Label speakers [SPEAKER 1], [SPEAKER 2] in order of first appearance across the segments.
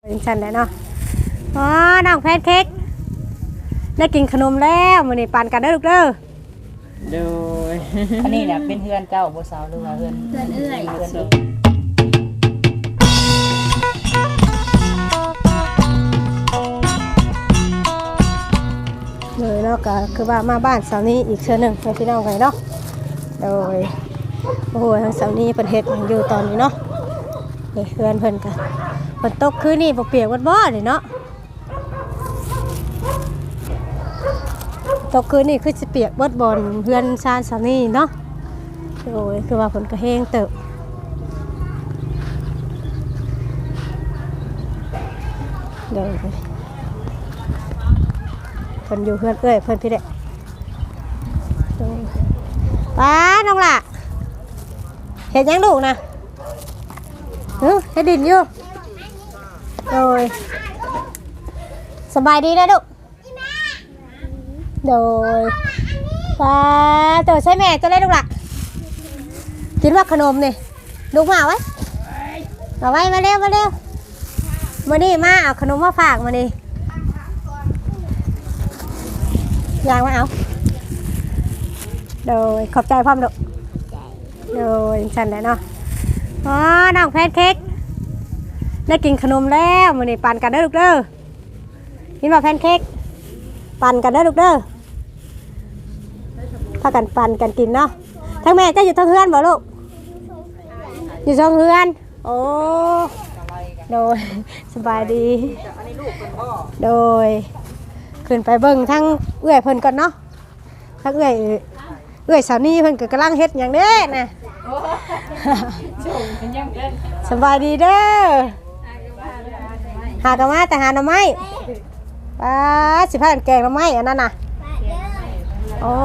[SPEAKER 1] เป็นฉันได้เนาะอ๋อน้องแพนเค้กได้กินขนมแล้วมื้อนี้ปั่นกันเด้อลูกเด้อ
[SPEAKER 2] โดยอันนี้เนี่ยเป็นเพื่อนเจ้าบ่สาวหรือว่าเพื่อนเอื้อยเพื่อนเอง
[SPEAKER 1] เลยเนาะก็คือว่ามาบ้านเสาร์นี้อีกเทื่อนึงให้พี่น้องกันเนาะโดยโอ้โหทางเสาร์นี้เพิ่นเฮ็ดอยู่ตอนนี้เนาะนี่เพื่อนเพิ่นก็ฝนตกคืนนี้บ่เปียกบ่นี่เนาะตกคืนนี้คือสิเปียกเบิดบ่อนเพื่อนชานเสาร์นี้เนาะโอ้ยคือว่าฝนก็แห้งเติบเดี๋ยวเพิ่นอยู่เพื่อนเอ้ยเพิ่นพี่เด็กป้าน้องล่ะเห็นยังลูกนะเห็นดินอยู่โดยสบายดีนะลูกโดยป้าตัวใช่แม่ตัวเล็กลูกล่ะกินว่าขนมนี่ลูกมาเอาไว้มาเร็วมานี่มาเอาขนมมาฝากมานี่ยางมาเอาโดยขอบใจพ่อมดุโดยฉันได้เนาะอ๋อน้องแพนเค้กได้กินขนมแล้วมื้อนี้ปั่นกันเด้อลูกเด้อกินว่าแพนเค้กปั่นกันเด้อลูกเด้อพากันปั่นกันกินเนาะทั้งแม่จะอยู่ทั้งเฮือนบ่ลูกอยู่ทั้งเฮือนโอ้โดยสบายดีโดยขึ้นไปเบิ่งทั้งเอื้อยเพิ่นก่อนเนาะทั้งเอื้อยสาวนี่เพิ่นก็กำลังเฮ็ดหยังเด้น่ะสบายดีเด้อหากะมาแต่หาหน่อไม้ป้าสิพากันแกงหน่อไม้อันนั้นน่ะโอ้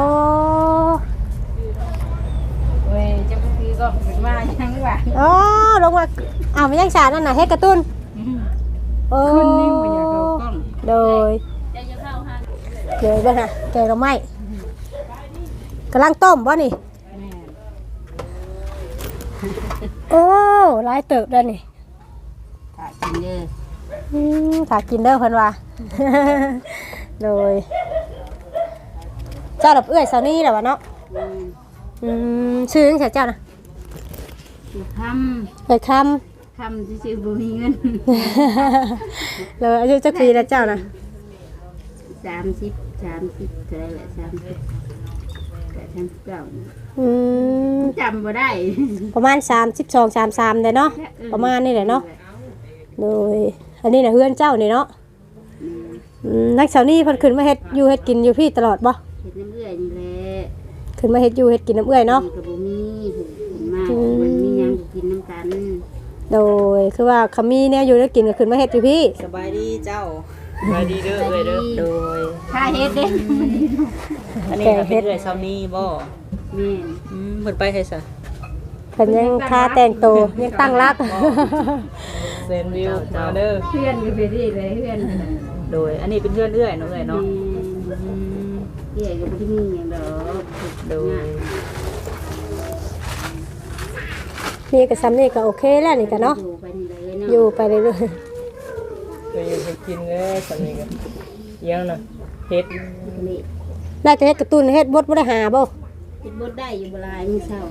[SPEAKER 2] เว้ยจะไปซื้อก็เป็นมายังว่า
[SPEAKER 1] อ๋อลงมาอ้าวมันยังสานั่นน่ะเฮ็ดกระตุ้นโอ้
[SPEAKER 2] คนนี้บ่อยากเข้ากล้อง
[SPEAKER 1] โดยเดี๋ยวเบิ่งน่ะแกงหน่อไม้กำลังต้มบ่นี่โอ้หลายเติบแล้วนี่
[SPEAKER 2] ถ้ากินเด้อ
[SPEAKER 1] ถ้ากินเด้อเพิ่นว่าโดยเจ้าดับเอื้อยเสานี้แหละวะเนาะชื่อจังไสเจ้าน่ะเอ้ยคำ
[SPEAKER 2] ที่ซื้อบ่มีเงิน
[SPEAKER 1] แล้วอายุจักปีแล้วเจ้าน่ะ
[SPEAKER 2] 30เท่าไหร่แหละ30แต่ฉันเก่าจำบ่ได้
[SPEAKER 1] ประมาณ32 33ได้เนาะประมาณนี้แหละเนาะโดยอันนี้น่ะเฮือนเจ้านี่เนาะนักเสานี้เพิ่นขึ้นมาเฮ็ดอยู่เฮ็ดกินอยู่พี่ตลอดบ่
[SPEAKER 2] เฮ็ดน้ำเอื้อยนี่แหละ
[SPEAKER 1] ขึ้นมาเฮ็ดอยู่เฮ็ดกินน้ำเอื้อยเนาะ
[SPEAKER 2] ก็บ่มีมามันมีหยังกินน้ำกัน
[SPEAKER 1] โดยคือว่าเขามีแนวอยู่แล้วกินก็ขึ้นมาเฮ็ดอยู่พี่
[SPEAKER 2] สบายดีเจ้าสบายดีเด้อเอ้ยเด้อโดยถ้าเฮ็ดเด้อันนี้ก็เป็นเอื้อยเซานี้บ่แม่นเพิ่นไปไสซะ
[SPEAKER 1] เพิ่นยังค่าแต่งตัวยังตั้งรัก
[SPEAKER 2] เซนวิวมาเด้อเพื่อนอยู่ไปที่เลยเพื่อนโดยอันนี้เป็นเพื่อนเอื้อยเนาะเอ้ยเนาะเอื้อยก็บ่ได้มีหยังดอกโดย
[SPEAKER 1] นี่ก็ซ้ำนี่ก็โอเคแล้วนี่ก็เนาะอยู่ไปเรื่อย
[SPEAKER 2] ๆก็อยู่ไปกินเลยซ้ำนี่ก็ยังน่ะเฮ็ด
[SPEAKER 1] ได้แต่เฮ็ดกระตุ้นเฮ็ดบดบ่ได้หาบ่
[SPEAKER 2] เฮ็ดบดได้อยู่บ่หลายมื้อเช้า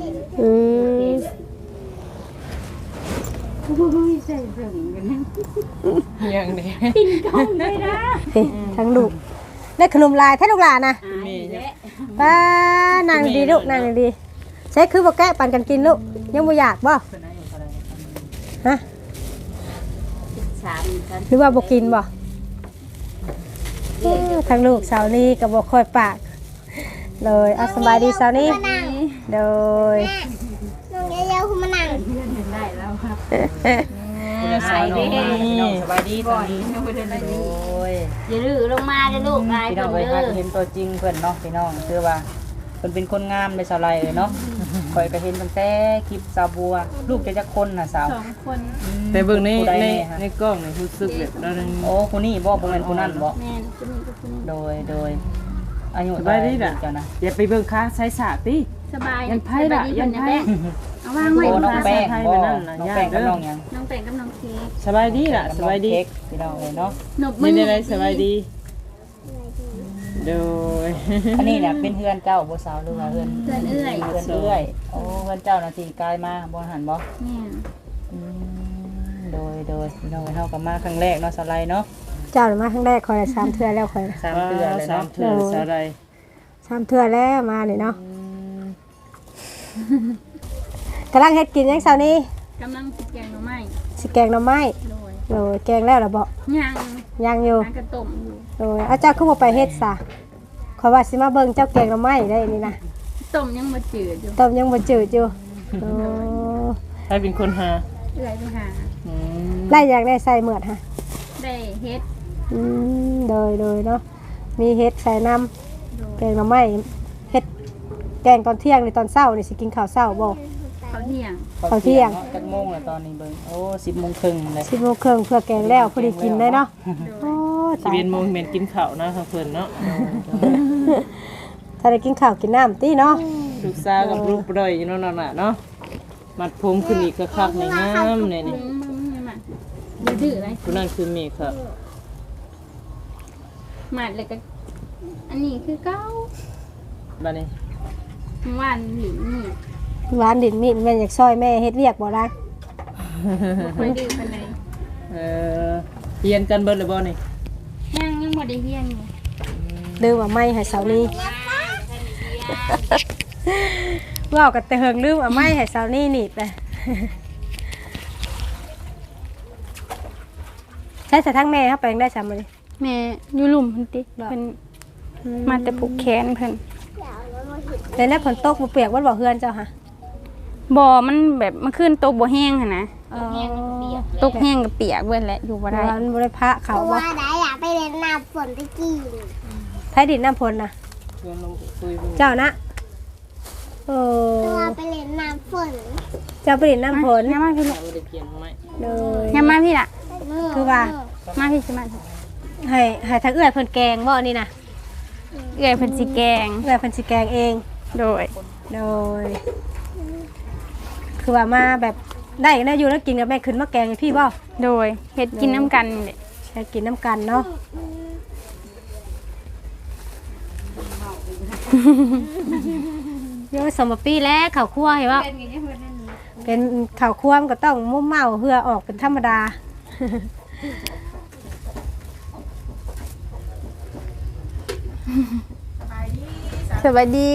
[SPEAKER 2] โอ้ยใส่เบิ่งกันยังเด้กินกองได้นะ
[SPEAKER 1] ทั้งลูกได้ขนมลายแท้ลูกหลานน่ะป้านางดีลูกนางดีใช้คือบ่แกะปั่นกันกินลูกยังบ่อยากบ่ฮะหรือว่าบ่กินบ่ทั้งลูกสาวนี้ก็บ่ค่อยปากเลยเอาสบายดีสาวนี้โดย
[SPEAKER 3] น้องเยอะๆคุณมานั่ง
[SPEAKER 2] ได้แล้วครับสบายดีสบายดีตอนนี้โอ้ย
[SPEAKER 3] อย่าดื้อลงมาเด้อลูก
[SPEAKER 2] พี่น้องไปเห็นตัวจริงเพิ่นเนาะพี่น้องคือว่าเพิ่นเป็นคนงามในสาวไร่เนาะคอยก็เห็นตั้งแต่คลิปสาวบัวลูกจะคนน่ะสาว
[SPEAKER 3] 2คน
[SPEAKER 2] แต่เบิ่งในกล้องนี่รู้สึกแบบโอ้คนนี้บ่แม่นคนนั้นบ่
[SPEAKER 3] แม่นคนนี้ก็คนนี้
[SPEAKER 2] โดยอายุ
[SPEAKER 4] สบายดีน่ะอย่าไปเบิ่งค้าใช้สาติ
[SPEAKER 3] สบาย
[SPEAKER 4] ยันไผล่ะยันไผ
[SPEAKER 3] เเอาวางไว้
[SPEAKER 2] โอ้น้องแป้งบ่น้องแป้งกับน้องหยัง
[SPEAKER 3] น้องแป้งกับน้องเค้ก
[SPEAKER 4] สบายดีล่ะสบายดี
[SPEAKER 2] เค้กพี่น้องเลยเนาะ
[SPEAKER 3] หนบมื
[SPEAKER 4] นี่
[SPEAKER 3] อ
[SPEAKER 4] ได้สบายดีโดย
[SPEAKER 2] อันนี้เนี่ยเป็นเพื่อนเจ้าบ่สาวหรือว่าเพื่อน
[SPEAKER 3] เพื่อนเอื้อย
[SPEAKER 2] เพื่อนเอื้อยโอ้เพื่อนเจ้าน่ะสิกลายมาบ่หันบ่
[SPEAKER 3] แม่น
[SPEAKER 2] โดยพี่น้องเฮาก็มาครั้งแรกเนาะสไลด์เนาะ
[SPEAKER 1] เจ้ามาครั้งแรกคอย3เทื่อแล้วคอย
[SPEAKER 2] 3เดือนเลย
[SPEAKER 4] สาม
[SPEAKER 2] เนาะ
[SPEAKER 4] เถื่อนสาไร
[SPEAKER 1] 3เทื่อแล้วมานี่เนาะกำลังเฮ็ดกินยังเช้านี้
[SPEAKER 3] กำลังสิแกงหน่อไม้
[SPEAKER 1] สิแกงหน่อไม้
[SPEAKER 3] โดย
[SPEAKER 1] โดยแกงแล้วล่ะบ่
[SPEAKER 3] ย่าง
[SPEAKER 1] ยังอยู่
[SPEAKER 3] น้ำกระต้มอยู่
[SPEAKER 1] โดยเอาเจ้าคือบ่ไปเฮ็ดซะขอยว่าสิมาเบิ่งเจ้าแกงหน่อไม้ได้นี่นะ
[SPEAKER 3] ต้มยังบ่จืดอยู่
[SPEAKER 1] ต้มยังบ่จืดอยู่โอ้
[SPEAKER 4] ให้เป็นคนหา
[SPEAKER 3] เอื้อยไปหา
[SPEAKER 4] อืม
[SPEAKER 1] ไล่อยากได้ใส่เหมือดฮะ
[SPEAKER 3] ได้เฮ็ด
[SPEAKER 1] โดยเนาะมีเฮ็ดใส่น้ำแกงหน่อไม้เฮ็ดแกงตอนเที่ยงนี่ตอนเช้านี่สิกินข้าวเช้าบ่
[SPEAKER 3] เขาเที่ยง
[SPEAKER 1] ข้าวเที่ยง
[SPEAKER 2] จักโมงแล้วตอนนี้เบิ่งโอ้10:30นเลย
[SPEAKER 1] 10:30นเพื่อแกงแล้วพอดีกินได้เนาะโอ้
[SPEAKER 4] สิเวียนโมงเมนกินข้าวนะทางเพิ่นเนาะ
[SPEAKER 1] ถ้าได้กินข้าวกินน้ำติเนาะ
[SPEAKER 4] ลูกสาวกับลูกบ่อยอยู่เนาะนั่นน่ะเนาะมัดผมขึ้นอีกคักๆในงามนี่นี่
[SPEAKER 3] มึงยังมาอย่าดื้ออะไร
[SPEAKER 4] ผู้นั้นคือเมฆครับ
[SPEAKER 3] หมัดเลยก็อันนี้คือเก้า
[SPEAKER 4] บัดนี้
[SPEAKER 3] หวานหลินนี่
[SPEAKER 1] หวานดินมีดแม่อยากซอยแม่เฮ็ดเวียกบ่ได้
[SPEAKER 3] บ่ค่อยดื้อปานใด
[SPEAKER 4] เเรียนกันเบิดเลยบ่นี่
[SPEAKER 3] ยังบ่ได้เฮียนอยู่
[SPEAKER 1] ลืมเอาไม้ให้เสานี้ว้าวกันแต่เฮิงลืมเอาไม้ให้เสานี้หนีบเลยใช้สะทั้งแม่ครับไปยังได้ซ้ำเลย
[SPEAKER 5] แม่อยู่หลุมเพิ่นติเพิ่นมาแต่ผูกแขนเพิ่น
[SPEAKER 1] แต่แล้วฝนตกบ่เปียกบ่บ่เฮือนเจ้าค่ะ
[SPEAKER 5] บ่มันแบบมันขึ้นตกบ่แห้งหั่นนะ
[SPEAKER 3] แห้งกับเปียก
[SPEAKER 5] ตกแห้งกับเปียกเบิดแหละอยู่บ่ได้
[SPEAKER 1] ร้านบ่ได้พระเขาบ่
[SPEAKER 3] ว่าได้อยากไปเล่นน้ำฝนตะกี้
[SPEAKER 1] ไผดินน้ำพลน่ะ
[SPEAKER 4] ชวนลงคุยเบิ่ง
[SPEAKER 1] เจ้านะโอ้
[SPEAKER 3] ว่าไปเล่นน้ำฝน
[SPEAKER 1] เจ้าไปดินน้ำพล
[SPEAKER 5] ยามมาพี่ลูก
[SPEAKER 4] บ่ได้เปลี่ยนไหม
[SPEAKER 1] เลย
[SPEAKER 5] ยามมาพี่ล่ะ
[SPEAKER 1] คือว่า
[SPEAKER 5] มาพี่สิมา
[SPEAKER 1] ให้ทางเอื้อยเพิ่นแกงบ่นี่น่ะ
[SPEAKER 5] เอื้อยเพิ่นสิแกง
[SPEAKER 1] เอื้อยเพิ่นสิแกงเอง
[SPEAKER 5] โดย
[SPEAKER 1] โดยคือว่ามาแบบได้กันได้อยู่แล้วกินกับแม่ขึ้นมาแกงให้พี่บ่
[SPEAKER 5] โดยเฮ็ดกินน้ำกันนี่แหละ
[SPEAKER 1] ใช้กินน้ำกันเนาะ โยสมปีแล้วข้าวคั่วเห็นว่าเป็นข้าวคั่วมันก็ต้องมุ่มเมาเพื่อออกเป็นธรรมดา
[SPEAKER 5] สบายดี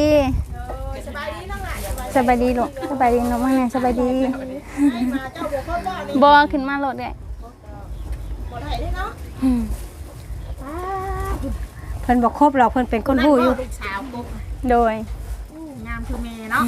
[SPEAKER 5] สบายดีลูกสบายดีน้องว่าไงสบายดีบ่ขึ้นมาโลดได้
[SPEAKER 1] เพิ่นบอกครบหรอกเพิ่นเป็นคนหู้อยู่
[SPEAKER 5] โดย
[SPEAKER 2] งามคือแม่เนาะ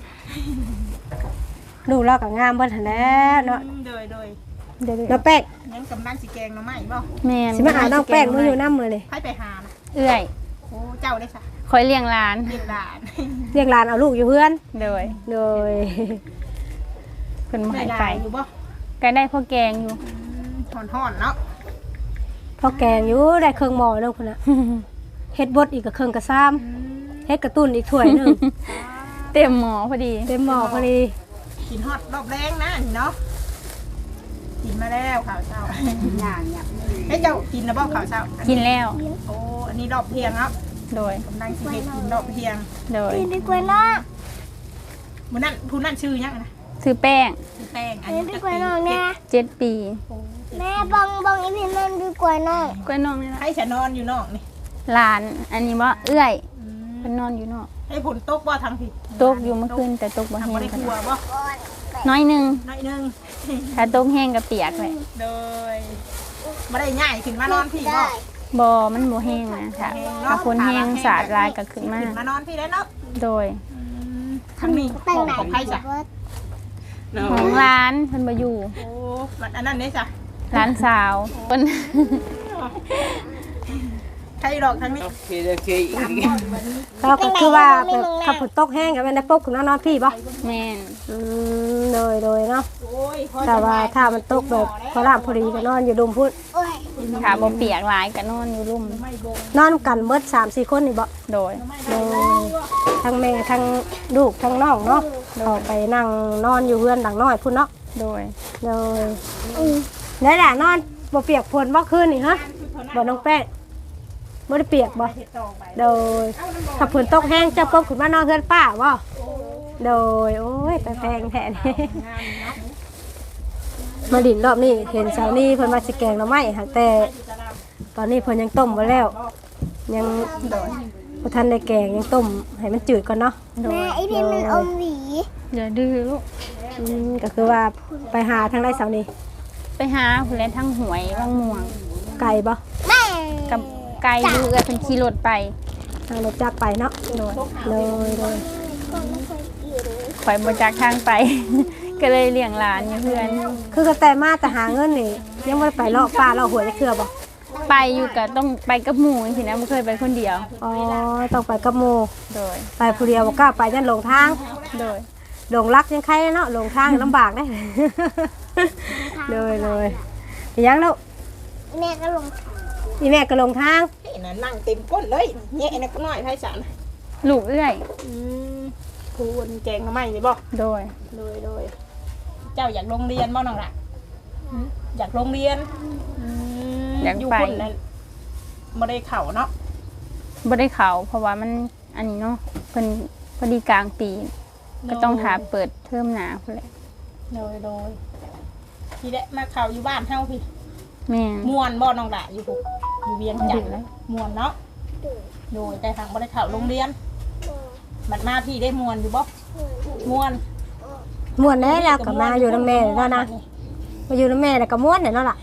[SPEAKER 1] ลูกเราก็งามเบิ่นหั่นแหล้วเนาะ
[SPEAKER 2] โดย
[SPEAKER 5] เดี๋ยว
[SPEAKER 1] น้องแป้ง
[SPEAKER 2] ยังกำลังสิแกงหน่อไม้บ่
[SPEAKER 5] แม่น
[SPEAKER 1] สิมาหาน้องแป้งมาอยู่น้ำมือเลย
[SPEAKER 2] ให้ไปหานะ
[SPEAKER 5] เอื้อย
[SPEAKER 2] โอ้เจ้าได้ซะ
[SPEAKER 5] คอยเลี้ยงหลาน
[SPEAKER 2] เรียกหลาน
[SPEAKER 1] เรียกหลานเอาลูกอยู่เพื่อน
[SPEAKER 5] โดย
[SPEAKER 1] โดย
[SPEAKER 5] เพิ่นบ่
[SPEAKER 2] ได้
[SPEAKER 5] ให้
[SPEAKER 2] ห
[SPEAKER 5] ไป
[SPEAKER 2] ลานอยู่บ่
[SPEAKER 5] ก็ได้พ่อแกงอยู่
[SPEAKER 2] ห่อนๆเนาะ
[SPEAKER 1] พอแกงอยู่ได้เครื่องหม้อนึงพุ่นน่ะเฮ็ดบดอีกกับเครื่องกระซ้ำเฮ็ดกระตุ้นอีกถ้วยหนึง
[SPEAKER 5] เต็มหมอพอดี
[SPEAKER 1] เต็มหม้อพอดี
[SPEAKER 2] กินฮอดรอบแรงนะนี่เนาะกินมาแล้วข่าวเช้าอย่างเฮ้ยเจ้ากินแล้วบ่ข่าวเช้า
[SPEAKER 5] กินแล้ว
[SPEAKER 2] โอ้อันนี้รอบเที่ยงครับ
[SPEAKER 5] โดย
[SPEAKER 2] กำลังสิเฮ็ดกินรอบเที่ยง
[SPEAKER 5] โดย
[SPEAKER 3] ดีกว่าน้อง
[SPEAKER 2] มื้อนั้นผู้นั้นชื่อหยังนะ
[SPEAKER 5] ซื้อแป้ง
[SPEAKER 2] ชื่อแป้งอัน
[SPEAKER 3] ดี
[SPEAKER 2] นี้
[SPEAKER 3] กว่าน้องนะ
[SPEAKER 5] 7 ปี
[SPEAKER 3] แม่บังอีพี่มันดีกว่าน้อง
[SPEAKER 5] กล้วยน้องนี่ล่ะ
[SPEAKER 2] ให้ฉันนอนอยู่นอกนี่
[SPEAKER 5] หลาน อันนี้บ่เอื้อยเพิ่นนอนอยู่นอก
[SPEAKER 2] ให้ฝนตกบ่ทางผิด
[SPEAKER 5] ตกอยู่เมื่อคืนแต่ตกบ่
[SPEAKER 2] ทาง
[SPEAKER 5] แห้
[SPEAKER 2] บ่
[SPEAKER 5] ง
[SPEAKER 2] ได้
[SPEAKER 5] กัน
[SPEAKER 2] กลัวบ่
[SPEAKER 5] น้อยหนึง
[SPEAKER 2] น้อยนึง
[SPEAKER 5] ถ้าตกแห้งก็เปียกเลย
[SPEAKER 2] โดยบ่ได้ง่ายขึ้นมานอนพี่บ่
[SPEAKER 5] บ่มันบ่แห้งนะค่ะถ้าคนแห้งสาดลายก็ขึ้นมา
[SPEAKER 2] ขึ้นมานอนพี่ได้เนาะ
[SPEAKER 5] โดย
[SPEAKER 2] ทางนี้ห้องของใครจ้ะ
[SPEAKER 5] ของร้านเพิ่นบ่อยู่
[SPEAKER 2] โอ้มันอันนั้นได้จ้ะ
[SPEAKER 5] ร้านสาวเพิ่น
[SPEAKER 2] ใครดอกทางนี้
[SPEAKER 4] โอเคอีก
[SPEAKER 1] เราก็คือว่าแบบขับฝนตกแห้งกับแม่ได้ปุ๊บคุณนอนพี่ป่ะ
[SPEAKER 5] แม่น
[SPEAKER 1] โดยเนาะ
[SPEAKER 2] โอ้ยพอ
[SPEAKER 1] แต่ว่าถ้ามันตกแบบพอรามพอดีก็นอนอยู่ดุมพุทธ
[SPEAKER 5] ถ้าบ่เปียกหลายก็นอนอยู่ร่ม
[SPEAKER 1] นอนกันเบิด3-4 คนนี่บ่
[SPEAKER 5] โดย
[SPEAKER 1] โดยทั้งแม่ทั้งลูกทั้งน้องเนาะเขาไปนั่งนอนอยู่เพื่อนหลังน้อยพุ่นเนาะ
[SPEAKER 5] โดย
[SPEAKER 1] เลยแล้วล่ะนอนบ่เปียกฝนบ่คืนนี่ฮะบ่น้องแป้งบ่ได้เปียกบ่โดยถ้าฝนตกแห้งจะปบขึ้นมานอนเฮือนป้าบ่โดยโอ้ยไปแพงแท้นี่มาดินรอบนี้เห็นเช้านี้เพิ่นมาสิแกงหน่อไม้หั่นแต่ตอนนี้เพิ่นยังต้มบ่แล้วยังบ่ทันได้แกงยังต้มให้มันจืดก่อนเนาะ
[SPEAKER 3] แม่ไอพิมมันอมหวี
[SPEAKER 5] อย่าดื้อลูก
[SPEAKER 1] ก็คือว่าไปหาทางไรเสาร์นี้
[SPEAKER 5] ไปหาผู้เล่นทั้งหวยวังม่วง
[SPEAKER 1] ไก่บ่
[SPEAKER 3] แม่
[SPEAKER 5] กับไก่อยู่เอื้อเป็นขี่รถไป
[SPEAKER 1] ทางรถจักรไปเนาะ
[SPEAKER 5] โดย
[SPEAKER 1] เลย
[SPEAKER 5] ข่อยบ่จักทางไป ก็เลยเลี้ยงหลานอยู่เพื่อน
[SPEAKER 1] คือกระแต่มาแต่หาเงินนี่ยังไม่ได้ไปเลาะป่าเลาะหวยจะเชื่อบ่
[SPEAKER 5] ไปอยู่ก็ต้องไปกับหมู่จังซี่นะบ่เคยไปคนเดียว
[SPEAKER 1] อ๋อต้องไปกับโม
[SPEAKER 5] โดย
[SPEAKER 1] ไปผู้เดียวบ่กล้าไปยันหลงทาง
[SPEAKER 5] โดย
[SPEAKER 1] หลงรักยังใครเนาะหลงทางลำบากได้ เลยยังลูก
[SPEAKER 3] แม่ก็ลง
[SPEAKER 1] อีแม่ก็หลงทาง
[SPEAKER 2] น่ะนั่งเต็มก้นเลยแย่น่ะก็น้อยไผสัน
[SPEAKER 5] ลูกเอื้อย
[SPEAKER 2] ผู้คนแกงหน่อไม้นี่บ่
[SPEAKER 5] โดย
[SPEAKER 2] โดยเจ้าอยากโรงเรียนบ่น้องล่ะอยากโรงเรียน
[SPEAKER 5] อยาก
[SPEAKER 2] อยู่
[SPEAKER 5] ไป
[SPEAKER 2] คนนั้นบ่ได้เข้าเนาะ
[SPEAKER 5] บ่ได้เข้าเพราะว่ามันอันนี้เนาะเพิ่นพอดีกลางปี ก็ต้องหาเปิดเทอมหน้าพุ่นแหละ
[SPEAKER 2] โดยที่ได้มาเข้าอยู่บ้านเฮาพี่
[SPEAKER 5] แม่น
[SPEAKER 2] ม่วนบ่น้องล่ะอยู่พุอยู่เวียงจันทน์ม่วนเนาะโดยแต่ทางบ่ได้เข้าโรงเรียนบัดมาพี่ได้ม่วนอยู่บ่ม่วน
[SPEAKER 1] ม่วนแน่แล้วก็มาอยู่นำแม่แล้วนะมาอยู่นำแม่แล้วก็ม่วนเนี่ยเนาะล่ะ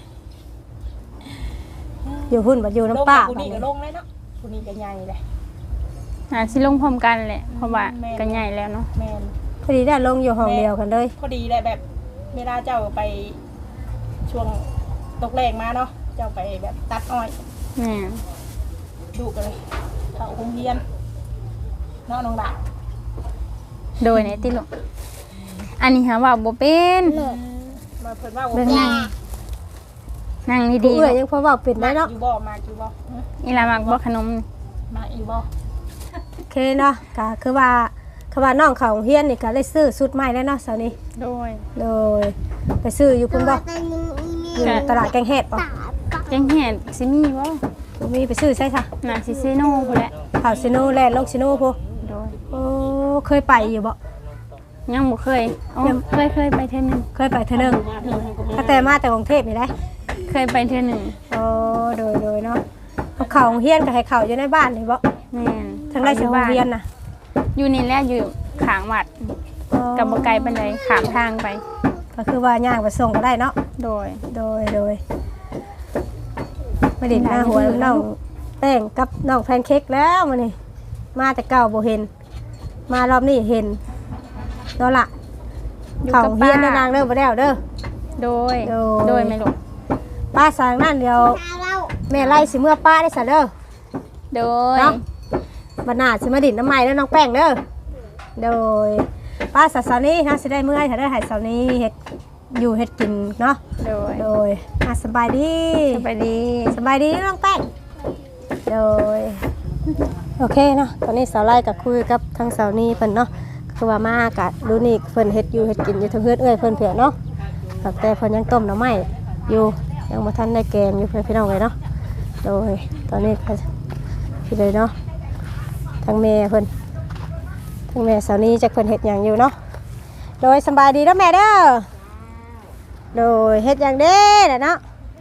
[SPEAKER 1] อยู่พุ่นบ่อยู่
[SPEAKER 2] ลง
[SPEAKER 1] น้ำป้า
[SPEAKER 2] ผู้นี้ก็ลงเลยเนาะผู้นี้ก็ใหญ่เลย
[SPEAKER 5] สิลงพร้อมกันแหละเพราะว่า
[SPEAKER 2] แม่น
[SPEAKER 5] ก็ใหญ่แล้วเนาะ
[SPEAKER 2] แม่น
[SPEAKER 1] พอดีได้ลงอยู่ห้องเดียวกันเลย
[SPEAKER 2] พอดีเลยแบบเวลาเจ้าไปช่วงตกแรงมาเนาะเจ้าไปแบบตัดอ้อย
[SPEAKER 5] แม่น
[SPEAKER 2] ดูกันเลยเข้าโรงเรียนเนาะน้องดา
[SPEAKER 5] โดยในติลูกอันนี้หาว่าบ่เป็น
[SPEAKER 2] มาเพิ่นว่า
[SPEAKER 5] เบิ่งนั่ง
[SPEAKER 1] ผู้
[SPEAKER 5] ดีๆ
[SPEAKER 1] เอื้อย
[SPEAKER 5] ลูก
[SPEAKER 1] ยังพอเว้าเป็นได้เนาะ
[SPEAKER 2] อยู่บ่มาอยู่บ่
[SPEAKER 5] อีหลามักบ่ขนม
[SPEAKER 2] มาอีบ่
[SPEAKER 1] โอเคเนาะก็คือว่าน้องเขาโรงเฮียนนี่ก็ได้ซื้อชุดใหม่แล้วเนาะเสาร์นี้
[SPEAKER 5] โดย
[SPEAKER 1] เลยไปซื้ออยู่พุ่นบ่
[SPEAKER 3] แต่ยิงอีเม
[SPEAKER 1] อยู่
[SPEAKER 3] ล
[SPEAKER 1] ตลาดแกงเห็ดบ่
[SPEAKER 3] ตาปะ
[SPEAKER 5] แกงเห็ดสิมีบ่
[SPEAKER 1] มีไปซื้อใช่ค่ะ
[SPEAKER 5] น่าสิเซโนพุ่นแหละ
[SPEAKER 1] ข่าวซิโนแลนด์ลงซิโนพู
[SPEAKER 5] โดย
[SPEAKER 1] โอ้เคยไปอยู่บ่
[SPEAKER 5] ยังบ่เคยอ๋อเคยไปเทื่อหนึง
[SPEAKER 1] เคยไปเทื่อนึงถ้าแต่มาแต่กรุงเทพนี่ได้
[SPEAKER 5] เคยไปเทื่อหนึง
[SPEAKER 1] โอ้โดยเนาะเอาข่าวโรงเฮียนก็ให้ข่าวอยู่ในบ้านนี่บ่
[SPEAKER 5] แม่น
[SPEAKER 1] ทางได้สิโรงเรียนน่ะ
[SPEAKER 5] อยู่นี่แหละอยู่ข้างวัดกับบ่ไกลปานใดข้ามทางไป
[SPEAKER 1] ก็คือว่าย่างไปส่งก็ได้เนาะ
[SPEAKER 5] โดย
[SPEAKER 1] โดยมาดินหน้าหัวน้องแป้งกับน้องแพนเค้กแล้วมื้อนี้มาแต่เก่าบ่เห็น มารอบนี้เห็นเนาะล่ะ
[SPEAKER 5] อยู่
[SPEAKER 1] เขา
[SPEAKER 5] กับ
[SPEAKER 1] เฮียน
[SPEAKER 5] ป้า
[SPEAKER 1] นางเด้อบ่แล้วเด้อ
[SPEAKER 5] โดย
[SPEAKER 1] โดย
[SPEAKER 5] โดยแม่ลูก
[SPEAKER 1] ป้าสร้างนั่นเดียว
[SPEAKER 3] ตาเรา
[SPEAKER 1] แม่ไล่สิเมื่อป้าได้ซะเด้อ
[SPEAKER 5] โดย
[SPEAKER 1] เนาะ บัดหน้าสิมาดินน้ำใหม่เด้อน้องแป้งเด้อโดยป้าสัสานี้นะสิได้เมื่อยถ้าได้หายเสาร์นี้เฮ็ดอยู่เฮ็ดกินเนาะ
[SPEAKER 5] โดย
[SPEAKER 1] โดยสบายดี
[SPEAKER 5] สบายดี
[SPEAKER 1] สบายดีน้องแป้งโดยโอเคเนาะตอนนี้สาวไล่กับคุยกับทางสาวนี้เพิ่นเนาะคือว่ามากะรู้นี่เพิ่นเฮ็ดอยู่เฮ็ดกินอยู่ทางเฮือนเอ้ยเพิ่นเผื่อเนาะแต่เพิ่นยังต้มหน่อไม้อยู่ยังบ่ทันได้แกงอยู่เพิ่นพี่น้องเลยเนาะโดยตอนนี้ก็พี่เลยเนาะทางแม่เพิ่นทางแม่สาวนี้จักเพิ่นเฮ็ดหยังอยู่เนาะโดยสบายดีเด้อแม่เด้อโดยเฮ็ดหยังเด้อเนาะ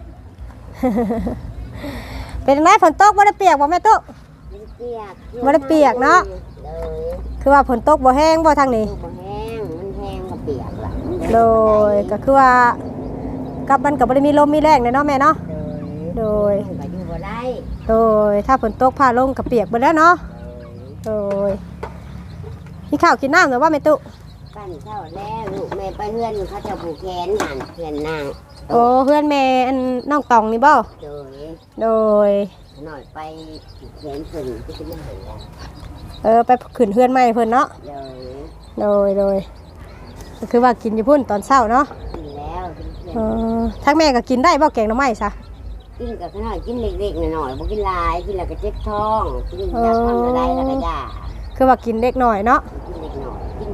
[SPEAKER 1] เป็นไงฝนตกบ่ได้เปียกบ่แม่ตุ๊
[SPEAKER 3] เปียก
[SPEAKER 1] บ่ได้เปียกเนาะ
[SPEAKER 3] เลย
[SPEAKER 1] คือว่าฝนตกบ่แห้งบ่ทางนี้
[SPEAKER 3] บ่แห้งมันแห้งก็เปียกละ
[SPEAKER 1] โดยก็คือว่ากับมันก็บ่ได้มีลมมีแรงเลยเนาะแม่เนาะโดย
[SPEAKER 3] ก็อยู่บ่ได้
[SPEAKER 1] โดยถ้าฝนตกผ้าลงก็เปียกเบิดแล้วเนาะโดยมีข้าวกินน้ำหรือว่าแม่ตุ๊
[SPEAKER 3] ปั้นข้าวแล้วลูกแม่ไปเฮือนเขาจะผูกแขนหันเฮือนนาง
[SPEAKER 1] โอ้เพื่อนแม่อันน้องตองนี่บ่
[SPEAKER 3] โดย
[SPEAKER 1] โดย
[SPEAKER 3] หน่อยไปผูกแขนเพิ่นที่เป็นหันแล้ว
[SPEAKER 1] ไปขึ้นเพื่อนใหม่เพิ่นเนาะ โดยก็คือว่ากินอยู่พุ่นตอนเช้าเนาะ
[SPEAKER 3] กินแล้วกินเพื่อน
[SPEAKER 1] ทั้งแม่ก็กินได้บ่แกงหน่อไม้ซะ
[SPEAKER 3] กินกับขนาดกินเล็กๆหน่อยๆบ่กินหลายกินแล้วก็เจ็บท้องกินยาทำอะไรแล้วก็ยา
[SPEAKER 1] คือว่ากินเล็กหน่อยเนาะ
[SPEAKER 3] กินเล็กหน่อยกิน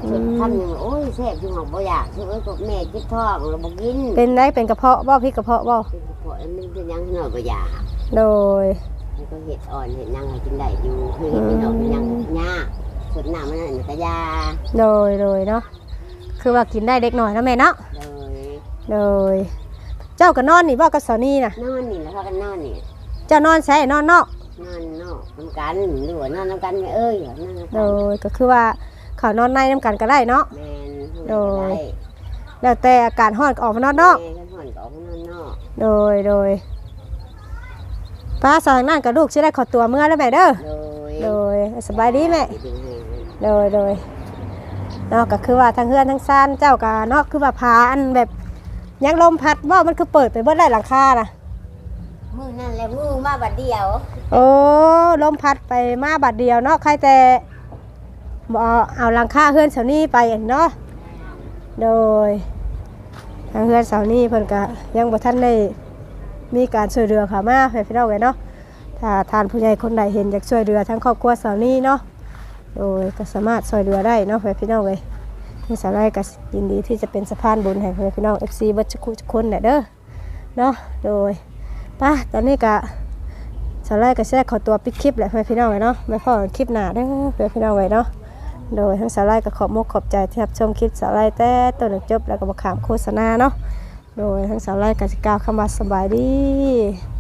[SPEAKER 3] ส่วนคำหนึ่งโอ้ยแซ่บจังหวะบ่อยากคือเอ้ยกับแม่จิตท้องเราบ่กิน
[SPEAKER 1] เป็นได้เป็นกระเพาะบ่พี่กระเพาะบ่
[SPEAKER 3] เป็นพอมันเป็นยังหน่อยบ่อยาก
[SPEAKER 1] โดย
[SPEAKER 3] มันก็เห็ดอ่อนเห็ดยังให้กินได้อยู่คือเห็ดเป็นดอกเป็นยังยากส่วนหน้ามันนั่นก็ยา
[SPEAKER 1] โดยเนาะคือว่ากินได้เด็กหน่อยนะแม่เนาะ
[SPEAKER 3] เลย
[SPEAKER 1] โดยเจ้าก็นอนนี่บ่กับสาวนี่น่ะ
[SPEAKER 3] นอนนี่แล้วพากันนอนนี่
[SPEAKER 1] เจ้านอนใช่นอนนอก
[SPEAKER 3] นอนนอกน้ำกันหรือว่านอนน้ำกันไม่เอ้ยนอนน้ำ
[SPEAKER 1] โด
[SPEAKER 3] กัน
[SPEAKER 1] ยก็คือว่าเขานอนในน้ำกันก็ได้เนาะ
[SPEAKER 3] แมน
[SPEAKER 1] โดย แล้วแต่อากาศร้อนก็ออกมานอนนอก
[SPEAKER 3] แม่กันห่อนก็ออกมานอนนอก
[SPEAKER 1] โดยป้าสาวนั่นกับลูกสิได้ขอตัวเมื่อแล้วแม่เด้อ โดยสบายดีแม่ โดยเนาะก็คือว่าทั้งเฮือนทั้งซ่านเจ้าก็เนาะคือว่าพาอันแบบยังลมพัดบ่มันคือเปิดไปเบิดได้หลังคาน่ะ
[SPEAKER 3] มือนั่นแหละมือมาบัดเดียว
[SPEAKER 1] โอ้ลมพัดไปมาบัดเดียวเนาะใครแต่บ่เอาหลังคาเฮือนเสานี้ไปเนาะโดยทางเฮือนเสานี้เพิ่นก็ยังบ่ทันได้มีการช่วยเหลือเข้ามาให้พี่น้องไว้เนาะถ้าทานผู้ใหญ่คนใดเห็นอยากช่วยเหลือทั้งครอบครัวเสานี้เนาะโดยก็สามารถช่วยเหลือได้เนาะให้พี่น้องเว้ยที่สาวไร่ก็ยินดีที่จะเป็นสะพานบุญให้พี่น้อง FC เบิดทุกคนแหละเด้อเนาะโดยป่ะตอนนี้ก็สาวไร่ก็สิได้ขอตัวปิดคลิปแหละให้พี่น้องไว้เนาะไว้พอกันคลิปหน้าเด้อให้พี่น้องไว้เนาะโดยทั้งสาวไร่ก็ขอบมุกขอบใจที่รับชมคลิปสาวไร่แต่ต้นจนจบแล้วก็บ่ขามโฆษณาเนาะโดยทั้งสาวไร่ก็สิกล่าวคำว่าสบายดี